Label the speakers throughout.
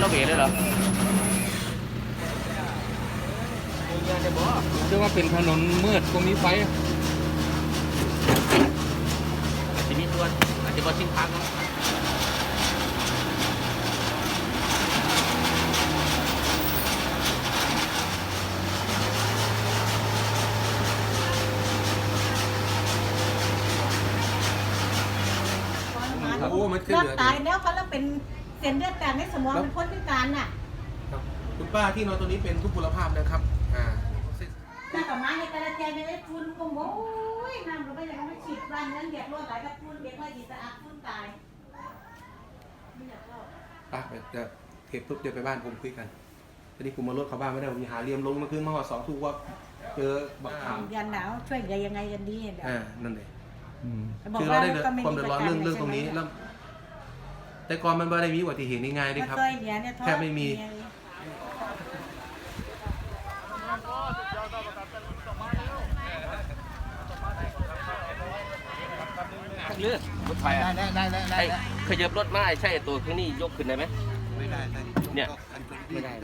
Speaker 1: เบรเลยเหรอเรียกว่าเป็นถนนมืดตรงนี้ไฟอาจจะมีตัวอาจจะบอทิ้งพักนะ
Speaker 2: โอ้มันขึ้นเหลือตายแล้วเขาแล้วเป็นเส้นเลือดแตกในสมองเป็นพ้นพิการน่ะ
Speaker 3: คุณป้าที่นอนตัวนี้เป็นทุพพลภาพนะครับ
Speaker 2: แต่ต่อมาในกระเทียมในฟุ้นก็โอ้ยน้ำเราไม่อยากมาฉีดวันนั้นเด็กร้อนหลายกับฟุ้นเด็กว่าจีสะอาดฟุ้นตายไม่อยากรอด
Speaker 3: ป้าเดี๋ยวเทปปุ๊บเดี๋ยวไปบ้านผมคุยกันตอนนี้ผมมารถเข้าบ้านไม่ได้ผมหาเรียมลงมาคืนมาห่อ2 ทุ่มว่าเจอบักขาม
Speaker 2: ยันหนาวช่วยยังไงกันดีเนี่ย
Speaker 3: นั่นเลยคือเราได้ความเดือดร้อนเรื่องตรงนี้แล้วแต่ก่อนมันไม่ได้มีอุบัติเหตุง่ายๆด้วยครับแค่ไม่มี
Speaker 1: เลือดรถไฟได้ขยับรถมาใช่ตัวข้างนี้ยกขึ้นได้ไหมไม่ได้เนี่ยไม่ได้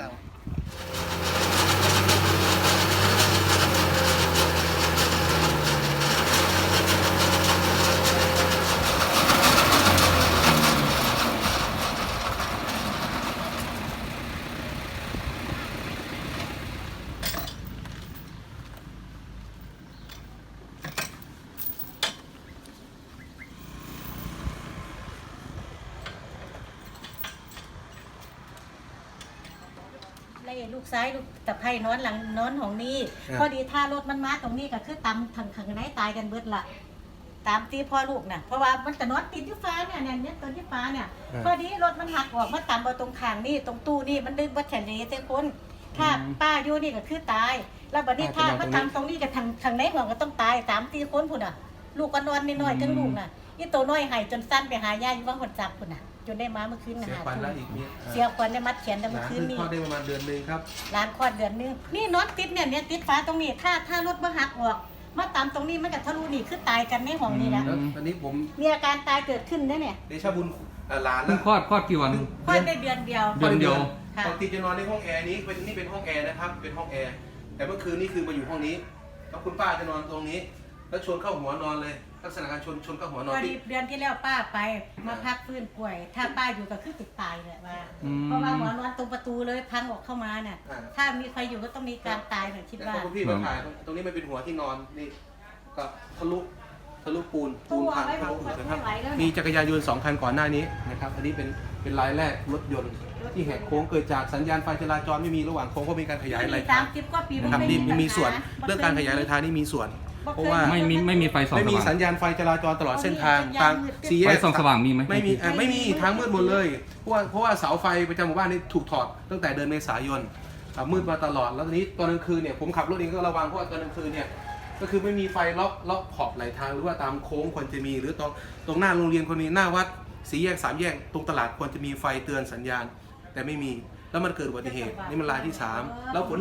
Speaker 2: ลูกซ้ายลูกตะไคร่นอนหลังนอนของนี่พอดีถ้ารถมันมาตรงนี้ก็คือตำทางไหนตายกันเบิดละตามตีพ่อลูกน่ะเพราะว่ามันจะนอนติดที่ฟ้าเนี่ยตัวที่ฟ้าเนี่ยพอดีรถมันหักออกมาตำเอาตรงขางนี่ตรงตู้นี่มันดึงวัดแขนนี้เจ้าคนถ้าป้าอยู่นี่ก็คือตายแล้วบัดนี้ถ้ามาตำตรงนี้กับทางไหนหัวก็ต้องตาย3 4 คนพุ่นอ่ะลูกก็นอนนิดหน่อยจังลูกน่ะนี่ตัวน้อยหายจนสั้นไปหายาอยู่ว่าหดจับพุ่นน่ะจนได้มาเมื่อคืนนะฮะเสียควันได้มัดแขนได้เมื่อคืนนี่
Speaker 3: คลอดได้ประมาณเดือนนึงครับ
Speaker 2: ร้านคลอดเดือนนึงนี่น็อตติดเนี่ยติดฟ้าตรงนี้ถ้ารถมาหักออกมาตามตรงนี้มันกับทะลุนี่คือตายกันในห้องนี่แหละ
Speaker 3: ตอนนี้ผม
Speaker 2: มีอาการตายเกิดขึ้นได้เนี่ย
Speaker 3: เดชบุญหลาน
Speaker 1: แล้วคลอดกี่วัน
Speaker 2: คลอดได้เดือนเดียว
Speaker 3: ปกติจะนอนในห้องแอร์นี้นี่เป็นห้องแอร์นะครับเป็นห้องแอร์แต่เมื่อคืนนี่คือมาอยู่ห้องนี้แล้วคุณป้าจะนอนตรงนี้แล้วชนเข้าหัวนอนเลยลักษณะการชนเข้าหัวนอน
Speaker 2: พอดีเดือนที่แล้วป้าไปมาพักฟื้นป่วยถ้าป้าอยู่ก็คือติดตายเลยว่าเพราะว่าหัวนอนตรงประตูเลยพังออกเข้ามาเนี่ยถ้ามีใครอยู่ก็ต้องมีการตายเหมือนคิดว่า
Speaker 3: คุณพี่มาถ่ายตรงนี้มันเป็นหัวที่นอนนี่ก็ทะลุปูนพังทะลุนะครับมีจักรยานยนต์2 คันก่อนหน้านี้นะครับอันนี้เป็นรายแรกรถยนต์ที่แหกโค้งเกิดจากสัญญาณไฟจราจรไม่มีระหว่างโค้งก็มีการขยายรายทางนะครับนี่มีส่วนเรื่องการขยายรายทางนี่มีส่วนเพราะว่า
Speaker 1: ไม่มีไฟส่องสว่าง
Speaker 3: ไม่มีสัญญาณไฟจราจรตลอดเส้นทาง
Speaker 1: สี่แยกไฟส่องสว่างมีไหม
Speaker 3: ไม่มีทางมืดหมดเลยเพราะว่าเสาไฟประจำหมู่บ้านนี่ถูกถอดตั้งแต่เดือนเมษายนมืดมาตลอดแล้วตอนนี้ตอนกลางคืนเนี่ยผมขับรถเองก็ระวังเพราะว่าตอนกลางคืนเนี่ยก็คือไม่มีไฟล็อกขอบไหลทางหรือว่าตามโค้งควรจะมีหรือตรงหน้าโรงเรียนควรมีหน้าวัด4 แยก 3 แยกตรงตลาดควรจะมีไฟเตือนสัญญาณแต่ไม่มีแล้วมันเกิดอุบัติเหตุนี่มันรายที่3แล้วฝน